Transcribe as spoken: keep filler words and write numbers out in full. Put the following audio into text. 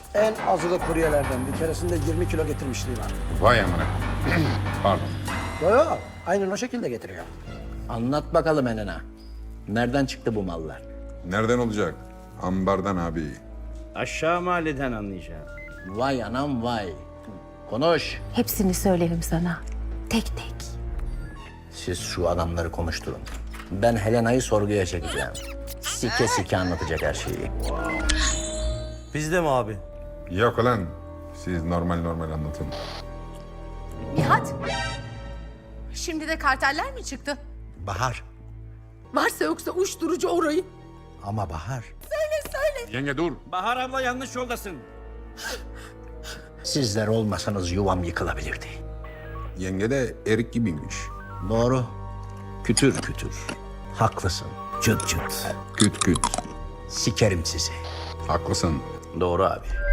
En azılı kuryelerden bir keresinde yirmi kilo getirmişliği var. Vay amına. Pardon. Yo yo, aynen o şekilde getiriyor. Anlat bakalım Enena. Nereden çıktı bu mallar? Nereden olacak? Ambardan abi. Aşağı mahalleden anlayacağım. Vay anam vay. Konuş. Hepsini söylerim sana. Tek tek. Siz şu adamları konuşturun. Ben Helena'yı sorguya çekeceğim. Sike sike anlatacak her şeyi. Biz de mi abi? Yok lan. Siz normal normal anlatın. Nihat. Şimdi de karteller mi çıktı? Bahar. Varsa yoksa uyuşturucu orayı. Ama Bahar. Yenge dur. Bahar abla yanlış yoldasın. Sizler olmasanız yuvam yıkılabilirdi. Yenge de erik gibiymiş. Doğru. Kütür kütür. Haklısın. Çıt çıt. Küt küt. Sikerim sizi. Haklısın. Doğru abi.